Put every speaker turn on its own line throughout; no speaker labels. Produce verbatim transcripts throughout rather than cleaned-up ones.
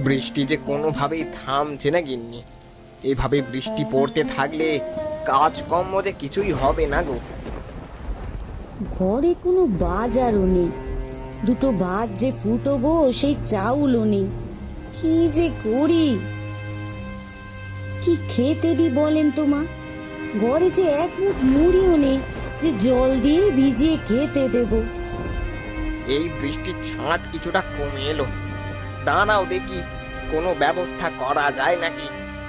বৃষ্টি যে কোনোভাবেই থামছে না গিন্নি। এভাবে বৃষ্টি পড়তে থাকলে কাজকর্ম যে কিছুই হবে না গো।
ঘরে কোনো বাজারও নেই, দুটো ভাত যে ফুটবো সেই চাউলও নেই। কি যে করি, কি খেতে দি বলেন তো মা? ঘরে যে এক মুঠ মুড়িও নেই যে জল দিয়ে ভিজিয়ে খেতে দেব।
এই বৃষ্টির ছাঁট কিছুটা কমে এলো, দাঁড়াও দেখি কোনো ব্যবস্থা করা যায় নাকি।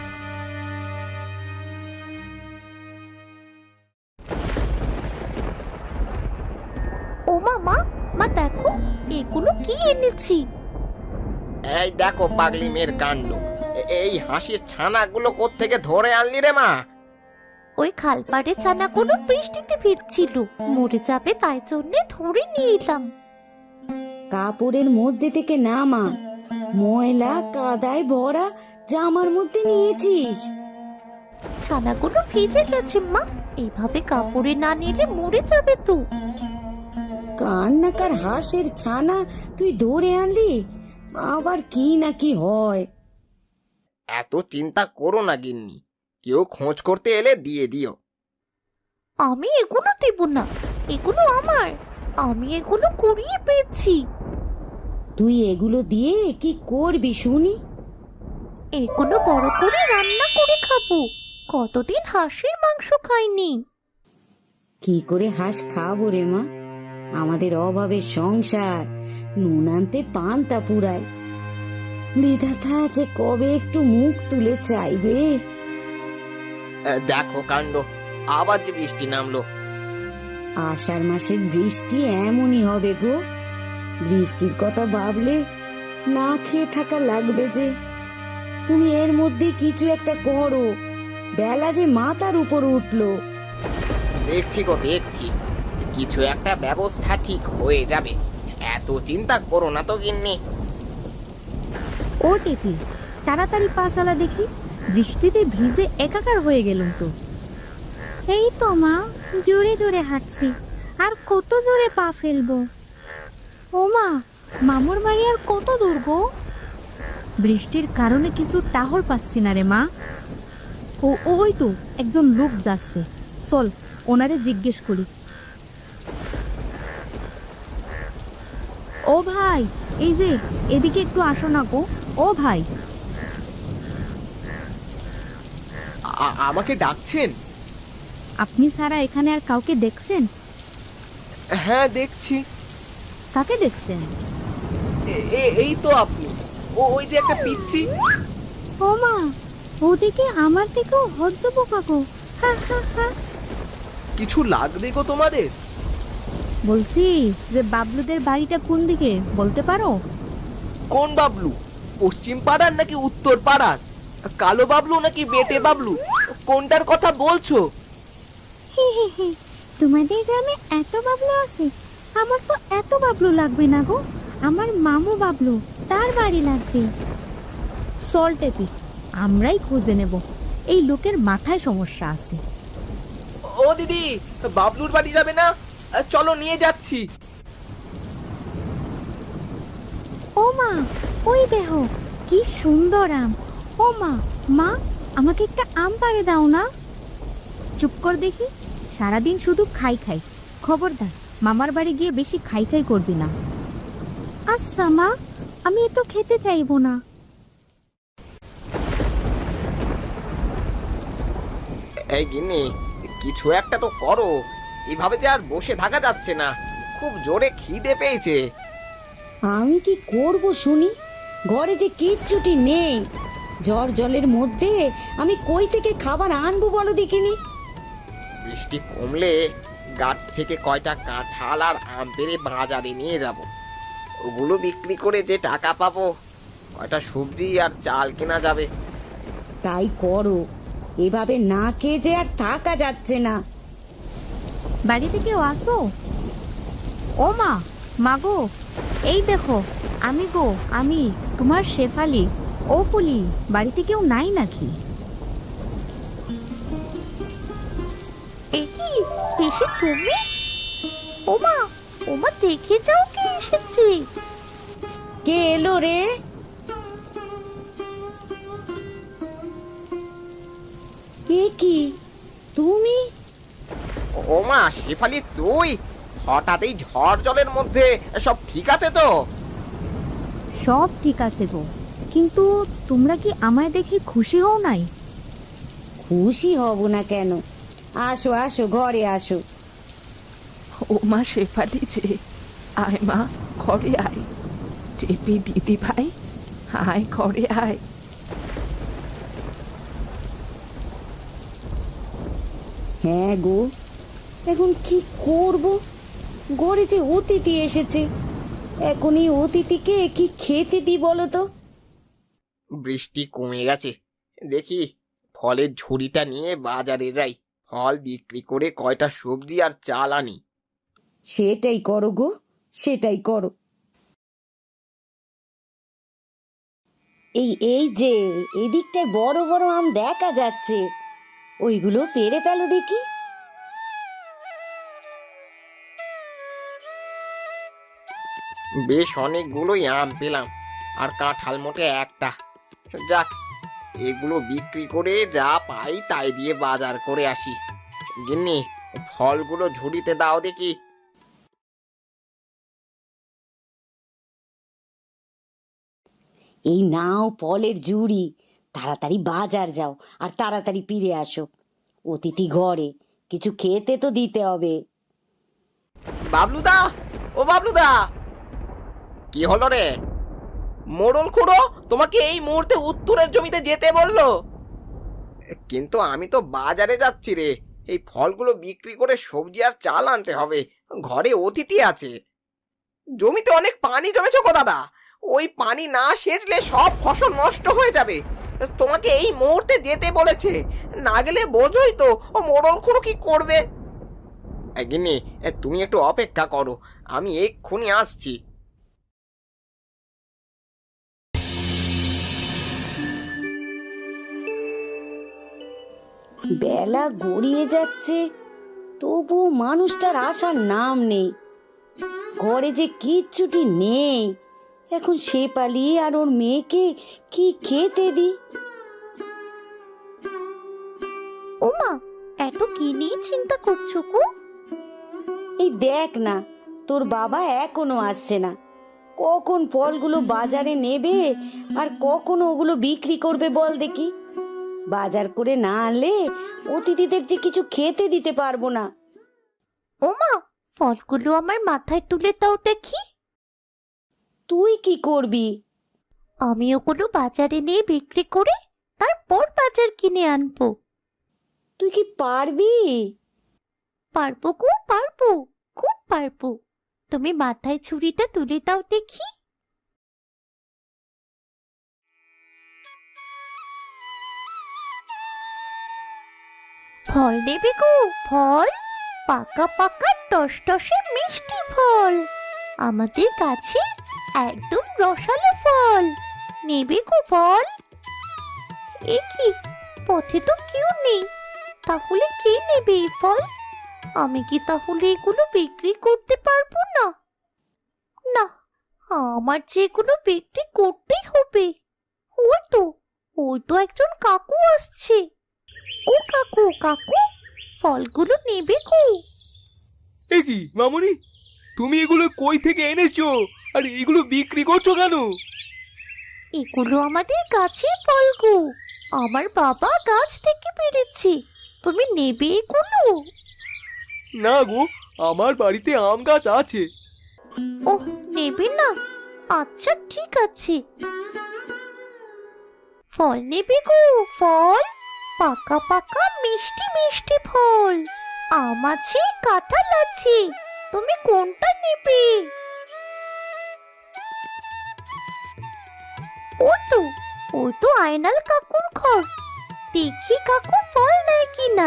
ও মা মা মা দেখো এগুলো কি এনেছি।
এই দেখো পাগলি মেয়ের কাণ্ড, এ- এই হাসির ছানাগুলো কোত্থেকে ধরে আনলি রে মা?
ওই খালপাড়ে ছানাগুলো বৃষ্টিতে ভিজছিল, মরে যাবে তাই জন্যে ধরে নিয়ে এলাম।
কাপড়ের মধ্যে থেকে না মা, ময়লা কাদায় ভরা জামার মধ্যে নিয়েছিস।
ছানাগুলো ভিজে গেছে মা, এইভাবে কাপড়ে না নিলে মরে যাবে তো।
কান্নাকার হাঁসের ছানা তুই ধরে আনলি, আবার কি না কি হয়।
এত চিন্তা করো না গিন্নি, কেউ খোঁজ করতে এলে দিয়ে দিও।
আমি এগুলো দেব না, এগুলো আমার, আমি এগুলো কুড়িয়ে পেয়েছি।
তুই এগুলো দিয়ে কি করবি শুনি?
এগুলো বড় করে রান্না করে খাবো, কতদিন হাঁসের মাংস খাইনি।
কি করে হাঁস খাবো রে মা? আমাদের অভাবের সংসার, নুন আনতে পান্তা পুরায়। বিধাতা যে কবে একটু মুখ তুলে চাইবে।
এ, দেখো কাণ্ড, আবার যে বৃষ্টি নামলো।
আষাঢ় মাসের বৃষ্টি এমনই হবে গো। বৃষ্টির কথা ভাবলে না খেয়ে থাকা লাগবে যে। তুমি এর মধ্যে কিছু একটা করো, বেলা যে মাথার উপর উঠলো।
দেখছি গো দেখছি, কিছু একটা ব্যবস্থা ঠিক হয়ে যাবে, এত চিন্তা করো না তো গিন্নি।
ও টেপি, তাড়াতাড়ি পা চালা দেখি, বৃষ্টিতে ভিজে একাকার হয়ে গেলাম তো। এই তো মা, জোরে জোরে হাঁটছি, আর কত জোরে পা ফেলবো। ও মা, মামুর বাড়ি আর কত দূর গো? বৃষ্টির কারণে কিছু টাহর পাচ্ছি না রে মা। ও ওই তো একজন লোক যাচ্ছে, চল ওনারে জিজ্ঞেস করি। ও ভাই, এই যে এদিকে একটু আসো না গো। ও ভাই,
আ- আমাকে ডাকছেন?
আপনি সারা এখানে আর কাউকে দেখছেন?
হ্যাঁ দেখছি।
কাকে দেখছেন?
এ- এ- এই তো আপনি, ও ওই যে একটা পিচ্ছি।
ও মা, ওদিকে আমার থেকেও হদ্দ বোকা গো। হা হা হা।
কিছু লাগবে গো তোমাদের?
বলছি যে বাবলুদের বাড়িটা কোন দিকে বলতে পারো?
কোন বাবলু? পশ্চিম পাড়ার নাকি উত্তর পাড়ার? কালো বাবলু নাকি বেটে বাবলু? কোনটার কথা বলছো?
হি হি হি, তোমাদের গ্রামে এত বাবলু আছে? আমার তো এত বাবলু লাগবে না গো, আমার মামু বাবলু, তার বাড়ি লাগবে। চল টেপি, আমরাই খুঁজে নেব, এই লোকের মাথায় সমস্যা আছে।
ও দিদি, বাবলুর বাড়ি যাবে না? চলো নিয়ে যাচ্ছি।
ও মা, ওই দেহ কি সুন্দর আম। ও মা, মা আমাকে একটা আম পাড়ে দাও না। চুপ কর দেখি, সারাদিন শুধু খাই খাই। খবরদার মামার বাড়ি গিয়ে বেশি খাই খাই করবি না। আচ্ছা মা, আমি এ তো খেতে চাইবো না।
এই গিন্নি, কিছু একটা তো করো, এভাবে যে আর বসে থাকা যাচ্ছে না, খুব জোরে খিদে পেয়েছে।
আমি কি করব শুনি? ঘরে যে কিচ্ছুটি নেই, জ্বর জলের মধ্যে আমি কই থেকে খাবার আনবো বলো দেখিনি?
বৃষ্টি কমলে গাছ থেকে কয়টা কাঁঠাল আর আম পেড়ে বাজারে নিয়ে যাব, ওগুলো বিক্রি করে যে টাকা পাবো, কয়টা সবজি আর চাল কেনা যাবে।
তাই করো, এভাবে না খেয়ে যে আর থাকা যাচ্ছে না।
বাড়িতে কেউ আসো? ও মা, মা গো, এই দেখো আমি গো, আমি তোমার শেফালি। ও ফুলি, বাড়িতে কেউ নাই নাকি?
এই কি পিসি তুমি? ওমা ওমা, দেখে যাও কে এসেছে।
কে এলো রে? এ কি তুমি?
ও মা শেফালি, তুই হঠাৎ এই ঝড় জলের মধ্যে সব ঠিক আছে তো?
সব ঠিক আছে গো, কিন্তু তোমরা কি আমায় দেখে খুশি হও নাই?
খুশি হব না কেন? আসো আসো, ঘরে আসো।
ও মা শেফালি যে, আয় মা ঘরে আয়। টেপি দিদি ভাই, আয় ঘরে আয়।
হ্যাঁ গো, এখন কি করব? ঘরে যে অতিথি এসেছে, এখন এই অতিথিকে কি খেতে দিই বলো তো?
বৃষ্টি কমে গেছে, দেখি ফলের ঝুড়িটা নিয়ে বাজারে যাই, ফল বিক্রি করে কয়টা সবজি আর চাল আনি।
সেটাই করো গো, সেটাই করো। এই এই যে এদিকটায় বড় বড় আম দেখা যাচ্ছে, ওইগুলো পেড়ে ফেলো দেখি।
বেশ অনেকগুলোই আম পেলাম, আর কাঁঠাল মোটে একটা। যাক, এগুলো বিক্রি করে যা পাই তাই দিয়ে বাজার করে আসি। গিন্নি, ফলগুলো ঝুড়িতে দাও দেখি।
এই নাও ফলের ঝুড়ি, তাড়াতাড়ি বাজার যাও আর তাড়াতাড়ি ফিরে আসো। অতিথি ঘরে, কিছু খেতে তো দিতে হবে।
বাবলুদা, ও বাবলুদা! কি হলো রে? মোড়ল খুড়ো তোমাকে এই মুহূর্তে উত্তরের জমিতে যেতে বললো। কিন্তু আমি তো বাজারে যাচ্ছি রে, এই ফলগুলো বিক্রি করে সবজি আর চাল আনতে হবে, ঘরে অতিথি আছে। জমিতে অনেক পানি জমেছে গো দাদা, ওই পানি না সেচলে সব ফসল নষ্ট হয়ে যাবে। তোমাকে এই মুহূর্তে যেতে বলেছে, না গেলে বোঝোই তো ও মোড়ল খুড়ো কি করবে। গিন্নি, তুমি একটু অপেক্ষা করো, আমি এক্ষুনি আসছি।
বেলা গড়িয়ে যাচ্ছে, তবু মানুষটার আসার নাম নেই। ঘরে যে কিচ্ছুটি নেই, এখন শেফালি আর ওর মেয়েকে কি খেতে দি?
ওমা, এত কি নিয়ে চিন্তা করছো গো?
এই দেখ না, তোর বাবা এখনো আসছে না। কখন ফলগুলো বাজারে নেবে আর কখন ওগুলো বিক্রি করবে বল দেখি? বাজার করে না আনলে অতিথিদের যে কিছু খেতে দিতে পারবো না।
ওমা, ফলগুলো আমার মাথায় তুলে দাও দেখি।
তুই কি করবি?
আমি ওগুলো বাজারে নিয়ে বিক্রি করে তারপর বাজার কিনে আনবো।
তুই কি পারবি?
পারবো গো, পারবো, খুব পারবো। তুমি মাথায় ছুরিটা তুলে দাও দেখি। ফল নেবে গো, ফল, পাকা পাকা টসটসে মিষ্টি ফল, আমাদের কাছে একদম রসালো ফল। নেবে গো ফল? এ কি, পথে তো কেউ নেই, তাহলে কে নেবে এই ফল? আমি কি তাহলে এগুলো বিক্রি করতে পারবো না? না, আমার যেগুলো বিক্রি করতেই হবে। ওই তো, ওই তো একজন কাকু আসছে। ও কাকু, কাকু, ফলগুলো নেবে গো?
এ কি মামুনি, তুমি এগুলো কই থেকে এনেছো আর এগুলো বিক্রি করছো কেন?
এগুলো আমাদের গাছের ফল গো, আমার বাবা গাছ থেকে পেড়েছে। তুমি নেবে এগুলো?
না গো, আমার বাড়িতে আম গাছ আছে।
ওহ, নেবে না? আচ্ছা ঠিক আছে। ফল নেবে গো, ফল, পাকা পাকা মিষ্টি মিষ্টি ফল, আম আছে, কাঁঠাল আছে, তুমি কোনটা নেবে? ও তো, ও তো আয়নাল কাকুর ঘর, দেখি কাকু ফল নেয় কিনা।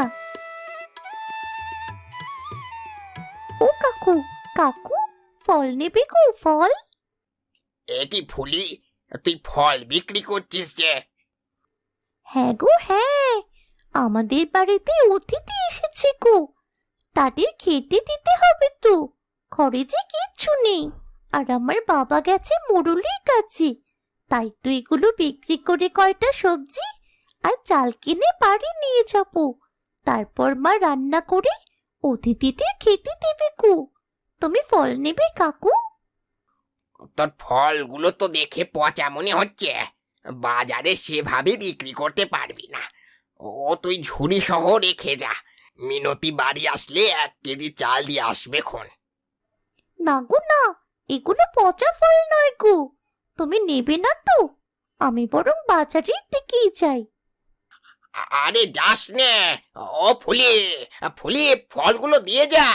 ও কাকু, কাকু, ফল নেবে গো, ফল?
এ কি ফুলি, তুই ফল বিক্রি করছিস যে?
হ্যাঁ গো হ্যাঁ, আমাদের বাড়িতে অতিথি এসেছে গো, তাদের খেতে দিতে হবে তো, ঘরে যে কিচ্ছু নেই, আর আমার বাবা গেছে মোড়লের কাছে, তাই তো এগুলো বিক্রি করে কয়টা সবজি আর চাল কিনে বাড়ি নিয়ে যাব। তারপর মা রান্না করে অতিথিদের খেতে দেবে কু। তুমি ফল নেবে কাকু?
তোর ফলগুলো তো দেখে পচা মনে হচ্ছে, বাজারে সেভাবে বিক্রি করতে পারবি না। ও তুই ঝুড়ি সহ রেখে যা, মিনতি বাড়ি আসলে এক কেজি চাল দিয়ে আসবে খন।
না গো না, এগুলো পচা ফল নয় গো। তুমি নেবে না তো? আমি বরং বাজারের দিকেই যাই।
আ- আরে যাস নে, ও ফুলি, ফুলি ফলগুলো দিয়ে যা।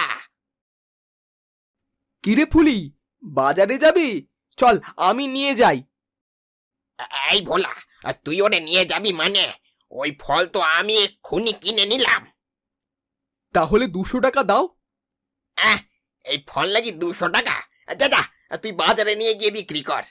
কিরে ফুলি, বাজারে যাবি? চল আমি নিয়ে যাই।
এই ভোলা, তুই ওরে নিয়ে যাবি মানে? ওই ফল তো আমি এক্ষুনি কিনে নিলাম।
তাহলে দুশো টাকা দাও।
আহ, এই ফল লাগি দুশো টাকা? যা যা, তুই বাজারে নিয়ে গিয়ে বিক্রি কর।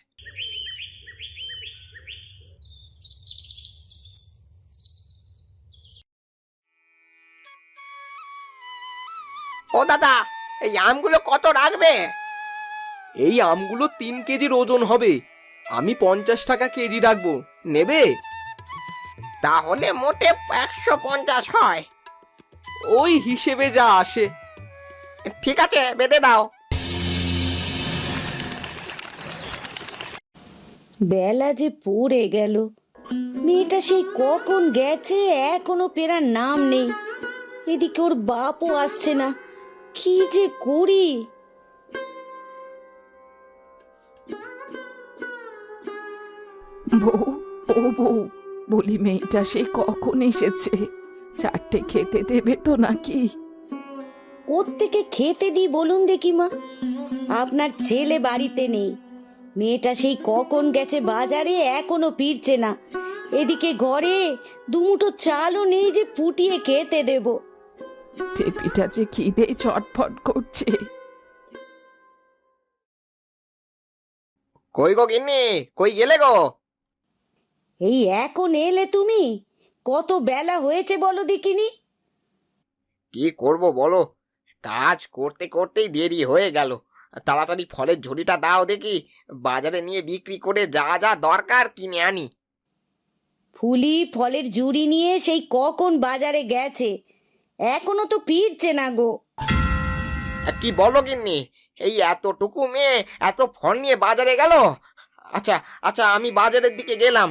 ও দাদা, এই আমগুলো কত রাখবে?
এই আমগুলো তিন কেজির ওজন হবে, আমি পঞ্চাশ টাকা কেজি রাখবো, নেবে?
তাহলে মোটে একশো পঞ্চাশ হয়।
ওই হিসেবে যা আসে।
ঠিক আছে, বেঁধে দাও।
বেলা যে পড়ে গেল, মেয়েটা সেই কখন গেছে এখনো ফেরার নাম নেই। এদিকে ওর বাপও আসছে না, কি যে করি।
বউ, ও বউ, বলি মেয়েটা সে কখন এসেছে? চারটে খেতে দেবে তো নাকি?
কোত্থেকে খেতে দিই বলুন দেখি মা? আপনার ছেলে বাড়িতে নেই, মেয়েটা সেই কখন গেছে বাজারে এখনো ফিরছে না। এদিকে ঘরে দুমুঠো চালও নেই যে ফুটিয়ে খেতে দেব।
টেপিটা যে খিদে চটফট করছে।
কই গো গিন্নি, কই গেলে গো?
এই এখন এলে তুমি? কত বেলা হয়েছে বলো দেখিনি।
কি করব বলো, কাজ করতে করতেই দেরি হয়ে গেল। তাড়াতাড়ি ফলের ঝুড়িটা দাও দেখি, বাজারে নিয়ে বিক্রি করে যা যা দরকার কিনে আনি।
ফুলি ফলের ঝুড়ি নিয়ে সেই কখন বাজারে গেছে, এখনো তো ফিরছে না গো।
কি বলো গিন্নি, এই এতটুকু মেয়ে এত ফল নিয়ে বাজারে গেল? আচ্ছা আচ্ছা, আমি বাজারের দিকে গেলাম।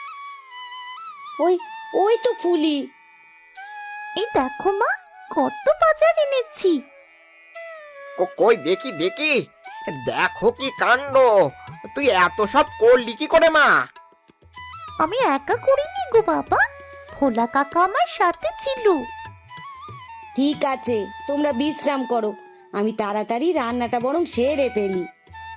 ওই ওই তো ফুলি।
এই দেখো মা, কত বাজার এনেছি।
কো- কই দেখি দেখি, দেখো কি কাণ্ড! তুই এত সব করলি কি করে মা?
আমি একা করিনি গো বাবা, ভোলা কাকা আমার সাথে ছিল।
ঠিক আছে, তোমরা বিশ্রাম করো, আমি তাড়াতাড়ি রান্নাটা বরং সেরে ফেলি।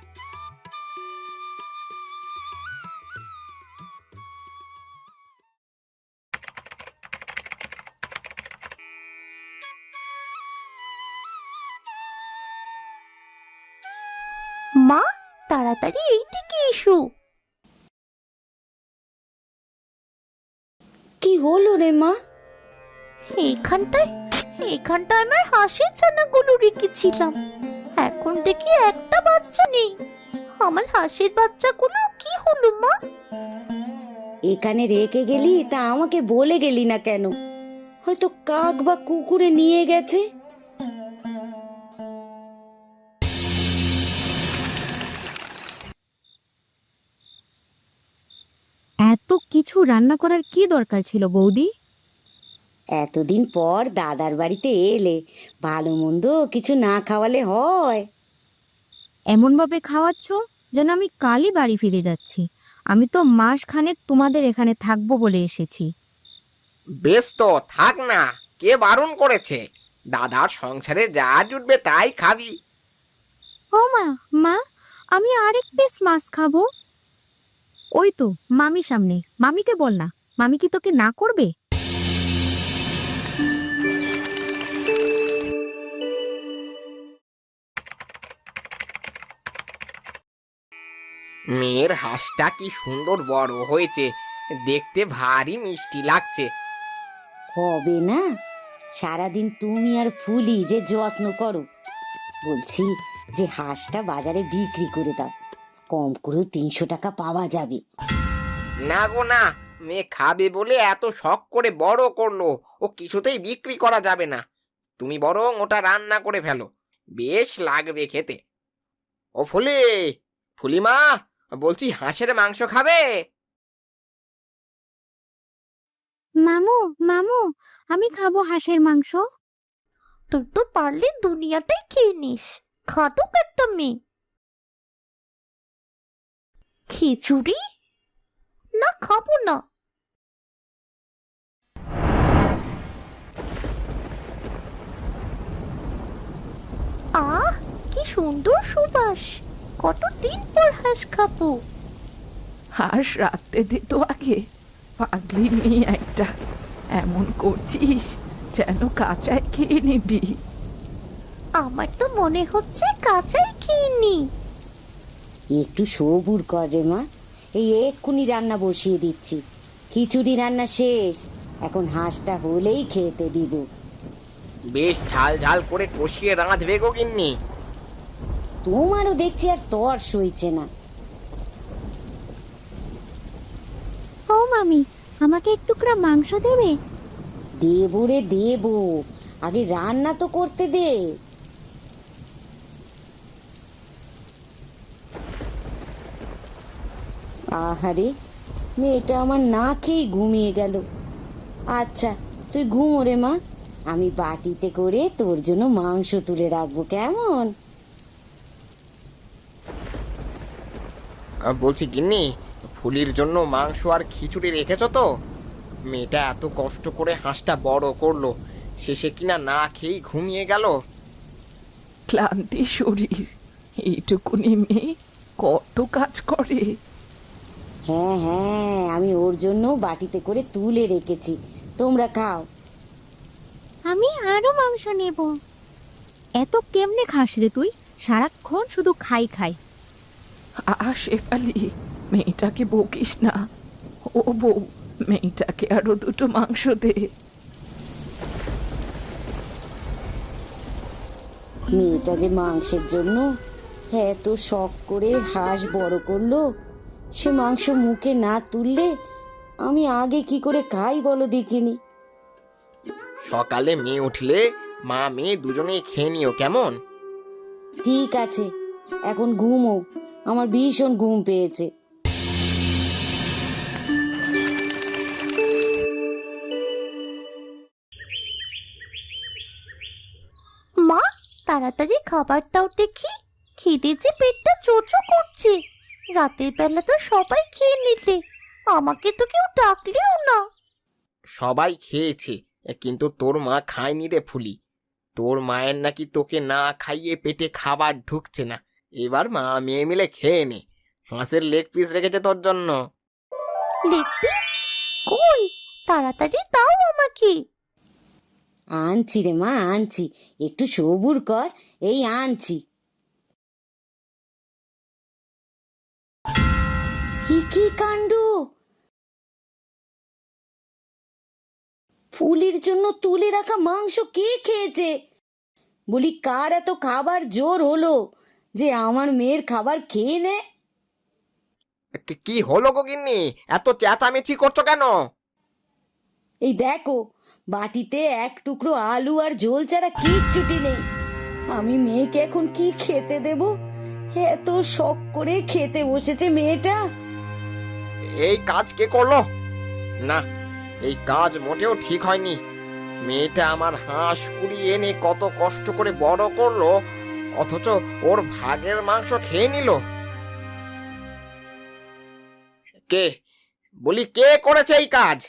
মা, তাড়াতাড়ি এই দিকে এসো।
কি হলো রে মা?
এইখানটায় এইখানটায় আমার হাঁসের ছানাগুলো রেখেছিলাম, এখন দেখি একটা বাচ্চা নেই। আমার হাঁসের বাচ্চাগুলো কি হলো মা?
এখানে রেখে গেলি তা আমাকে বলে গেলি না কেন? হয়তো কাক বা কুকুরে নিয়ে গেছে।
এত কিছু রান্না করার কি দরকার ছিল বৌদি?
এতদিন পর দাদার বাড়িতে এলে, ভালো মন্দ কিছু না খাওয়ালে হয়?
এমনভাবে খাওয়াচ্ছ যেন আমি কালই বাড়ি ফিরে যাচ্ছি। আমি তো মাস খানেক তোমাদের এখানে থাকবো বলে এসেছি।
বেশ তো থাক না, কে বারণ করেছে? দাদার সংসারে যা জুটবে তাই খাবি।
ও মা, মা, আমি আরেক পিস মাছ খাবো। ওই তো মামি সামনে, মামিকে বল না, মামি কি তোকে না করবে?
মেয়ের হাঁসটা কি সুন্দর বড় হয়েছে, দেখতে ভারী মিষ্টি লাগছে।
হবে না? সারাদিন তুমি আর ফুলি যে যত্ন করো। বলছি যে হাঁসটা বাজারে বিক্রি করে দাও, কম করে তিনশো টাকা পাওয়া যাবে।
না গো না, মেয়ে খাবে বলে এত শখ করে বড় করলো, ও কিছুতেই বিক্রি করা যাবে না। তুমি বরং ওটা রান্না করে ফেলো, বেশ লাগবে খেতে। ও ফুলি, ফুলিমা, বলছি হাঁসের মাংস খাবে?
মামু মামু আমি খাবো হাঁসের মাংস।
তুই তো পারলে দুনিয়াটাই খেয়ে নিস, খাদক একটা মেয়ে। খিচুড়ি? না, খাবো না। আহ, কি সুন্দর সুবাস! কতদিন পর হাঁস খাবো।
হাঁস রাখতে দে তো আগে, পাগলি মেয়ে একটা। এমন করছিস যেন কাঁচায় খেয়ে নিবি।
আমার তো মনে হচ্ছে কাঁচাই খেয়ে নি।
একটু সবুর কর রে মা, এই এক্ষুনি রান্না বসিয়ে দিচ্ছি। খিচুড়ি রান্না শেষ, এখন হাঁসটা হলেই খেতে দিব।
বেশ ঝাল ঝাল করে কষিয়ে রাঁধবে গো গিন্নি।
তোমারও দেখছি আর তর সইছে না।
ও মামি, আমাকে এক টুকরা মাংস দেবে?
দেবো রে দেবো, আগে রান্না তো করতে দে। আহারে, মেয়েটা আমার না খেয়ে ঘুমিয়ে গেল। আচ্ছা তুই ঘুমো রে মা, আমি বাটিতে করে তোর জন্য মাংস তুলে রাখবো, কেমন?
আহ, বলছি গিন্নি, ফুলির জন্য মাংস আর খিচুড়ি রেখেছো তো? মেয়েটা এত কষ্ট করে হাঁসটা বড় করলো, শেষে কিনা না খেয়েই ঘুমিয়ে গেল।
ক্লান্তি শরীর, এইটুকুনি মেয়ে কত কাজ করে।
হ্যাঁ হ্যাঁ, আমি ওর জন্য বাটিতে করে তুলে রেখেছি, তোমরা খাও।
আমি আরো মাংস নেব। এত কেমনে খাস রে তুই? সারাক্ষণ শুধু খাই খাই।
আ শেফালি, মেয়েটাকে বকিস না। ও বউ, মেয়েটাকে আরো দুটো মাংস দে।
মেয়েটা যে মাংসের জন্য এত শখ করে হাঁস বড় করলো, সে মাংস মুখে না তুললে আমি আগে কি করে খাই বলো দেখিনি।
সকালে মেয়ে উঠলে মা মেয়ে দুজনেই খেয়ে নিও, কেমন?
ঠিক আছে, এখন ঘুমো, আমার ভীষণ ঘুম পেয়েছে।
মা, তাড়াতাড়ি খাবারটাও দেখি, খিদে যে পেটটা চোচো করছে। রাতের বেলা তো সবাই খেয়ে নিলে, আমাকে তো কেউ ডাকলেও না।
সবাই খেয়েছে, কিন্তু তোর মা খায়নি রে ফুলি। তোর মায়ের নাকি তোকে না খাইয়ে পেটে খাবার ঢুকছে না। এবার মা মেয়ে মিলে খেয়ে নে, হাঁসের লেগ পিস রেখেছে তোর জন্য।
Leg piece? কই, তাড়াতাড়ি দাও আমাকে।
আনছি রে মা, আনছি, একটু সবুর কর, এই আনছি। কি কাণ্ড! ফুলির জন্য তুলে রাখা মাংস কে খেয়েছে? বলি, কার এত খাবার জোর হলো যে আমার মেয়ের খাবার খেয়ে নে?
কি- কি হলো গো গিন্নি, এত চেঁচামেচি করছো কেন?
এই দেখো, বাটিতে এক টুকরো আলু আর ঝোল ছাড়া কিচ্ছুটি নেই। আমি মেয়েকে এখন কি খেতে দেব? এত শখ করে খেতে বসেছে মেয়েটা।
এই কাজ কে করলো? না, এই কাজ মোটেও ঠিক হয়নি। মেয়েটা আমার হাঁস কুড়িয়ে এনে কত কষ্ট করে বড় করলো, অথচ ওর ভাগের মাংস খেয়ে নিল। কে, বলি কে করেছে এই কাজ?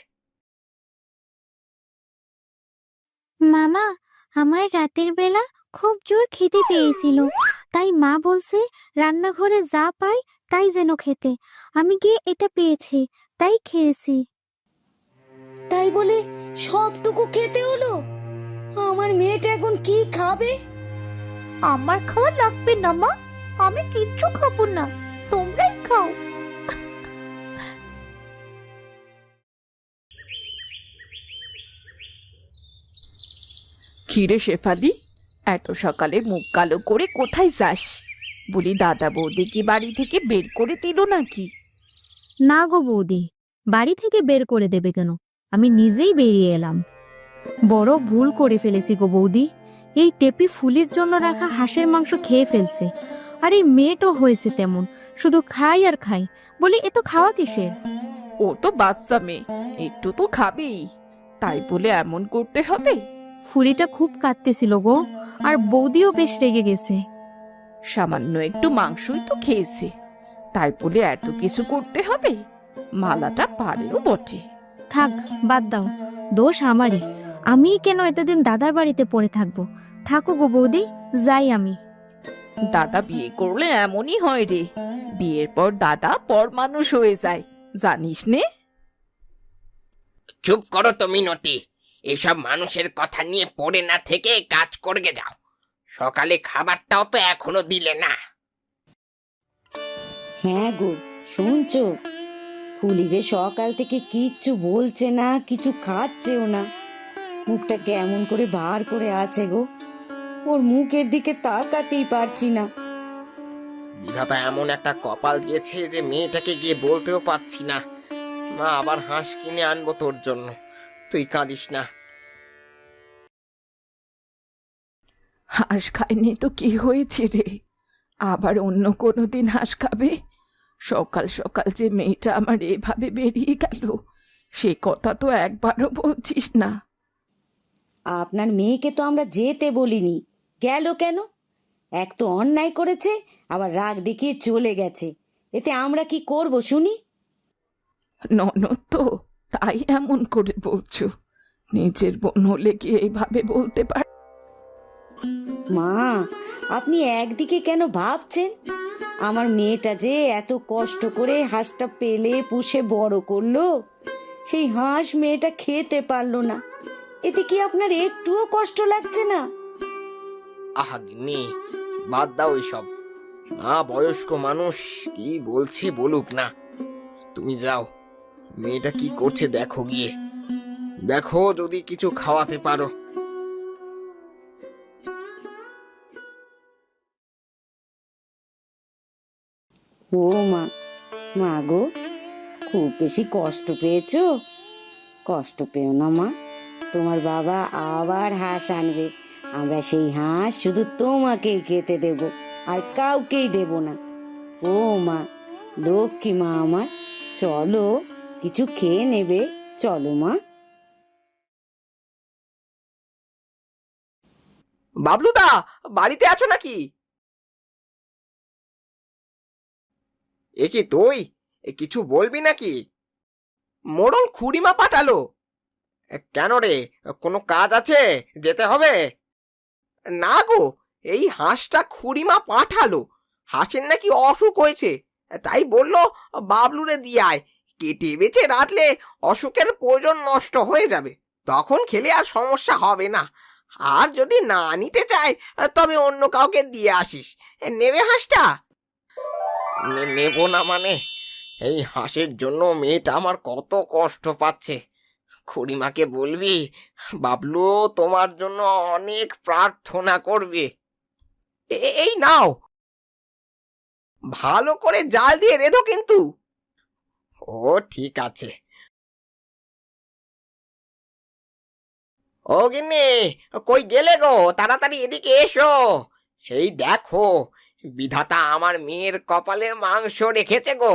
মামা, আমার রাতের বেলা খুব জোর খিদে পেয়েছিল, তাই মা বলছে রান্নাঘরে যা পাই তাই যেন খেতে। আমি গিয়ে এটা পেয়েছি, তাই খেয়েছি।
তাই বলে সবটুকু খেতে হলো? আমার মেয়েটা এখন কি খাবে?
আমার খাওয়া লাগবে না মা, আমি কিচ্ছু খাবো না, তোমরাই খাও।
কিরে শেফালি, এত সকালে মুখ কালো করে কোথায় যাস? বলি দাদা বৌদি কি বাড়ি থেকে বের করে দিল নাকি?
না গো বৌদি, বাড়ি থেকে বের করে দেবে কেন? আমি নিজেই বেরিয়ে এলাম। বড় ভুল করে ফেলেছি গো বৌদি। এই টেপি ফুলির জন্য রাখা হাঁসের মাংস খেয়ে ফেলছে। আর এই মেয়েটাও হয়েছে তেমন, শুধু খাই আর খাই। বলি এ তো খাওয়া কিসের?
ও তো বাচ্চা মেয়ে, একটু তো খাবেই, তাই বলে এমন করতে হবে?
ফুলিটা খুব কাঁদতেছিল গো, আর বৌদিও বেশ রেগে গেছে।
সামান্য একটু মাংসই তো খেয়েছে, তাই বলে এত কিছু করতে হবে? মালাটা পারেও বটে।
থাক, বাদ দাও, দোষ আমারই। আমি কেন এতদিন দাদার বাড়িতে পড়ে থাকবো? থাকো গো বৌদি, যাই আমি।
দাদা বিয়ে করলে এমনই হয় রে, বিয়ের পর দাদা পর মানুষ হয়ে যায়, জানিস নে?
চুপ করো তো মিনতি, এসব মানুষের কথা নিয়ে পড়ে না থেকে কাজ করে যাও। সকালে খাবারটাও তো এখনো দিলে না।
হ্যাঁ গো, শুনছো? ফুলি যে সকাল থেকে কিচ্ছু বলছে না, কিছু খাচ্ছেও না। মুখটা কেমন করে বার করে আছে গো, ওর মুখের দিকে তাকাতেই পারছি না।
বিধাতা এমন একটা কপাল দিয়েছে যে মেয়েটাকে গিয়ে বলতেও পারছি না। মা, আবার হাঁস কিনে আনবো তোর জন্য, তুই কাঁদিস না।
হাঁস খায়নি তো কি হয়েছে রে? আবার অন্য কোনো দিন হাঁস খাবে? সকাল সকাল যে মেয়েটা আমার এভাবে বেরিয়ে গেল, সে কথা তো একবারও বলছিস না।
আপনার মেয়েকে তো আমরা যেতে বলিনি, গেল কেন? এক তো অন্যায় করেছে, আবার রাগ দেখিয়ে চলে গেছে। এতে আমরা কি করব শুনি?
ননদ তো, তাই এমন করে বলছো। নিজের বোন হলে কি এইভাবে বলতে পার?
মা, আপনি একদিকে কেন ভাবছেন? আমার মেয়েটা যে এত কষ্ট করে হাঁসটা পেলে পুষে বড় করলো, সেই হাঁস মেয়েটা খেতে পারলো না। এতে কি আপনার একটুও কষ্ট লাগছে না?
আহা গিন্নি, বাদ দাও এসব। মা বয়স্ক মানুষ, কি বলছে বলুক না। তুমি যাও, মেয়েটা কি করছে দেখো গিয়ে। দেখো যদি কিছু খাওয়াতে পারো।
ও মা, মা গো, খুব বেশি কষ্ট পেয়েছো? কষ্ট পেও না মা, তোমার বাবা আবার হাঁস আনবে। আমরা সেই হাঁস শুধু তোমাকেই খেতে দেব, আর কাউকেই দেব না। ও মা, লক্ষ্মী মা আমার, চলো কিছু খেয়ে নেবে, চলো মা।
বাবলুদা, বাড়িতে আছো নাকি? এ কি তুই? এ কিছু বলবি নাকি? মোড়ল খুড়িমা পাঠালো। এ, কেন রে, কোনো কাজ আছে, যেতে হবে? না গো, এই হাঁসটা খুড়িমা পাঠালো। হাঁসের নাকি অসুখ হয়েছে, তাই বললো বাবলুরে দিয়ে আয়। কেটে বেছে রাখলে অসুখের প্রয়োজন নষ্ট হয়ে যাবে, তখন খেলে আর সমস্যা হবে না। আর যদি না নিতে চায় তবে অন্য কাউকে দিয়ে আসিস। নেবে হাঁসটা? নে- নেব না মানে? এই হাঁসের জন্য মেয়েটা আমার কত কষ্ট পাচ্ছে। খুড়িমাকে বলবি বাবলু তোমার জন্য অনেক প্রার্থনা করবে। এ- এই নাও, ভালো করে জাল দিয়ে রেধো কিন্তু। ও ঠিক আছে। ও গিন্নি, কই গেলে গো? তাড়াতাড়ি এদিকে এসো। এই দেখো, বিধাতা আমার মেয়ের কপালে মাংস রেখেছে গো।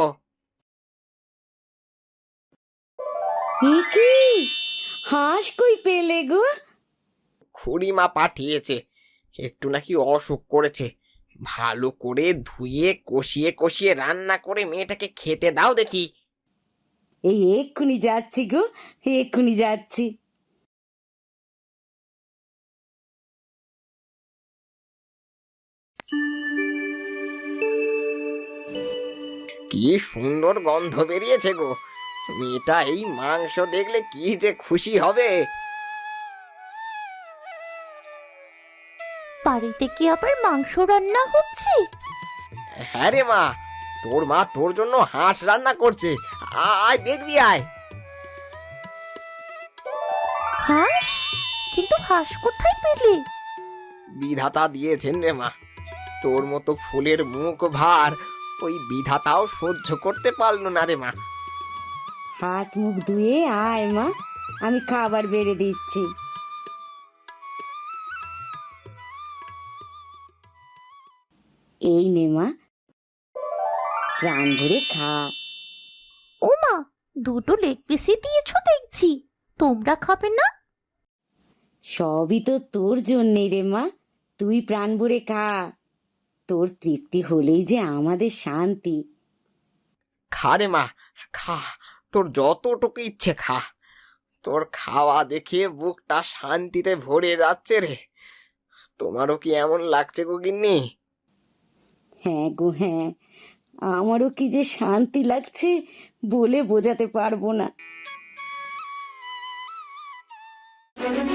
এ কি, হাঁস কই পেলে গো?
খুড়িমা পাঠিয়েছে, একটু নাকি অসুখ করেছে। ভালো করে ধুয়ে কষিয়ে কষিয়ে রান্না করে মেয়েটাকে খেতে দাও দেখি।
এই এক্ষুনি যাচ্ছি গো, এক্ষুনি যাচ্ছি।
কি সুন্দর গন্ধ বেরিয়েছে গো। মেয়েটা এই মাংস দেখলে কি যে খুশি হবে।
বাড়িতে কি আবার মাংস রান্না হচ্ছে?
হ্যাঁ রে মা, তোর মা তোর জন্য হাঁস রান্না করছে। আ- আয় দেখবি, আয়।
হাঁস? কিন্তু হাঁস কোথায় পেলে?
বিধাতা দিয়েছেন রে মা। তোর মতো ফুলের মুখ ভার ওই বিধাতাও সহ্য করতে পারলো না রে মা।
হাত মুখ ধুয়ে আয় মা, আমি খাবার বেড়ে দিচ্ছি। এই নে মা, প্রাণ ভরে খা।
ও মা, দুটো লেগ পিসই দিয়েছো দেখছি। তোমরা খাবে না?
সবই তো তোর জন্যে রে মা, তুই প্রাণ ভরে খা। তোর তৃপ্তি হলেই যে আমাদের শান্তি।
খা রে মা, খা, তোর যতটুকু ইচ্ছে খা। তোর খাওয়া দেখে বুকটা শান্তিতে ভরে যাচ্ছে রে। তোমারও কি এমন লাগছে গো গিন্নি?
হ্যাঁ গো হ্যাঁ, আমারও কি যে শান্তি লাগছে বলে বোঝাতে পারবো না।